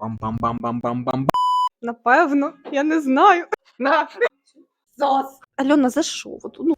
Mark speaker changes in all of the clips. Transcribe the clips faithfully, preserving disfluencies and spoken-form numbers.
Speaker 1: Бам-бам-бам-бам-бам-бам.
Speaker 2: Напевно, я не знаю. На. Зос. Альона, за що? От, ну.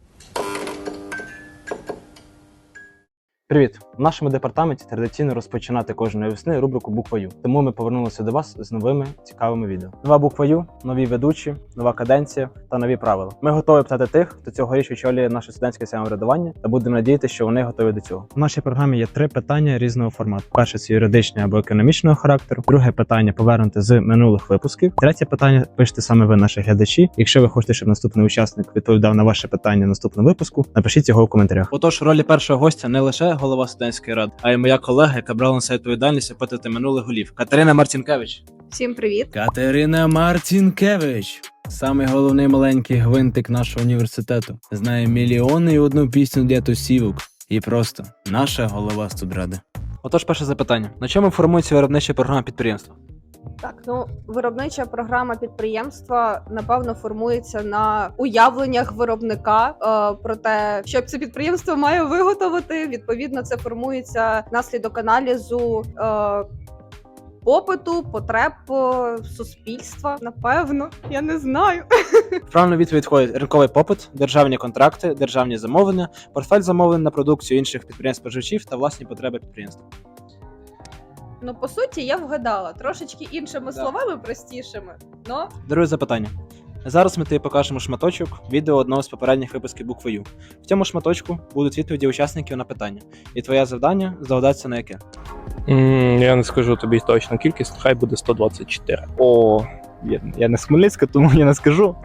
Speaker 1: Привіт! В нашому департаменті традиційно розпочинати кожної весни рубрику «Буква Ю». Тому ми повернулися до вас з новими цікавими відео. Нова буква Ю, нові ведучі, нова каденція та нові правила. Ми готові питати тих, хто цьогоріч очолює наше студентське самоврядування, та будемо надіятися, що вони готові до цього. В нашій програмі є три питання різного формату. Перше – це юридичне або економічного характеру. Друге питання повернути з минулих випусків. Третє питання пишете саме ви, наші глядачі. Якщо ви хочете, щоб наступний учасник відповідав на ваше питання наступного випуску, напишіть його в коментарях. Отож, ролі першого гостя не лише голова студентської ради, а й моя колега, яка брала на себе відповідальність опитати минулих голів. Катерина Марцінкевич.
Speaker 2: Всім привіт.
Speaker 1: Катерина Марцінкевич. Самий головний маленький гвинтик нашого університету. Знає мільйони і одну пісню для тусівок. І просто наша голова студради. Отож, перше запитання. На чому формується виробнича програма підприємства?
Speaker 2: Так, ну, виробнича програма підприємства, напевно, формується на уявленнях виробника е, про те, що це підприємство має виготовити. Відповідно, це формується внаслідок аналізу е, попиту, потреб е, суспільства. Напевно, я не знаю.
Speaker 1: В правильну відповідь входить ринковий попит, державні контракти, державні замовлення, портфель замовлень на продукцію інших підприємств-споживачів та власні потреби підприємства.
Speaker 2: Ну, по суті, я вгадала. Трошечки іншими
Speaker 1: Да.
Speaker 2: словами, простішими. Но
Speaker 1: Друге запитання. Зараз ми тобі покажемо шматочок відео одного з попередніх випусків букви Ю. В цьому шматочку будуть відповіді учасників на питання. І твоє завдання здогадатися на яке.
Speaker 3: Mm, я не скажу тобі точну кількість, хай буде сто двадцять чотири. О, я, я не з Хмельницька, тому я не скажу.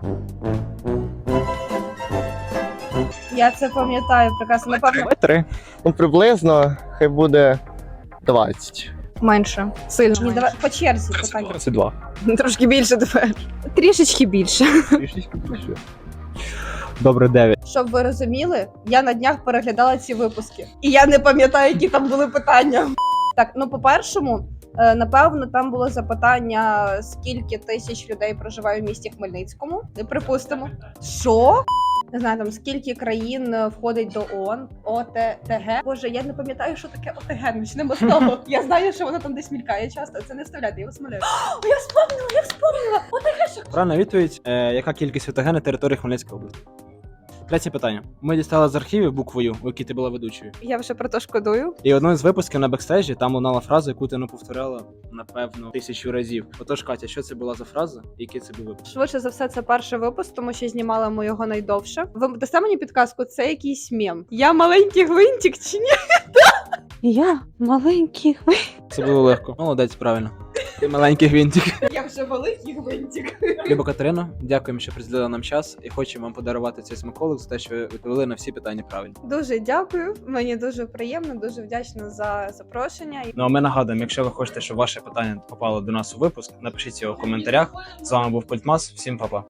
Speaker 2: я це пам'ятаю прекрасно. Напевно,
Speaker 3: Давай три.
Speaker 4: Ну, приблизно, хай буде двадцять.
Speaker 2: менше. Сильно. Ні, давай по черзі питання.
Speaker 3: двадцять два.
Speaker 2: Трошки більше тепер. Трішечки більше.
Speaker 3: Трішечки більше. Добре, дев'ять.
Speaker 2: Щоб ви розуміли, я на днях переглядала ці випуски. І я не пам'ятаю, які там були питання. Так, ну по-першому, е, напевно, там було запитання, скільки тисяч людей проживає в місті Хмельницькому. Не припустимо. Що? Не знаю, там скільки країн е, входить до ООН, ОТТГ. Боже, я не пам'ятаю, що таке ОТГ, почнемо з того. Я знаю, що воно там десь мількає часто, це не вставляти, я вас моляю. О, я вспомнила, я вспомнила! ОТГ, що
Speaker 1: Правильна відповідь. Е, яка кількість ОТГ на території Хмельницької області? Третє питання. Ми дістали з архівів букву Ю, у якій ти була ведучою.
Speaker 2: я вже про то шкодую.
Speaker 1: І одному з випусків на бекстейджі там лунала фраза, яку ти не повторяла, напевно, тисячу разів. Отож, Катя, що це була за фраза і який це був випуск?
Speaker 2: Швидше за все, це перший випуск, тому що знімали ми його найдовше. Ви дасте мені підказку, це якийсь мем. Я маленький гвинтик чи ні?
Speaker 5: Я маленький гвинтик.
Speaker 1: Це було легко. Молодець, правильно. Ти маленький гвинтик.
Speaker 2: Я вже великий гвинтик.
Speaker 1: Люба Катерина, дякуємо, що приділили нам час, і хочемо вам подарувати цей смаколик за те, що ви відповіли на всі питання правильно.
Speaker 2: Дуже дякую. Мені дуже приємно, дуже вдячна за запрошення.
Speaker 1: Ну а ми нагадуємо, якщо ви хочете, щоб ваше питання попало до нас у випуск, напишіть його в коментарях. З вами був Культмас. Всім па-па.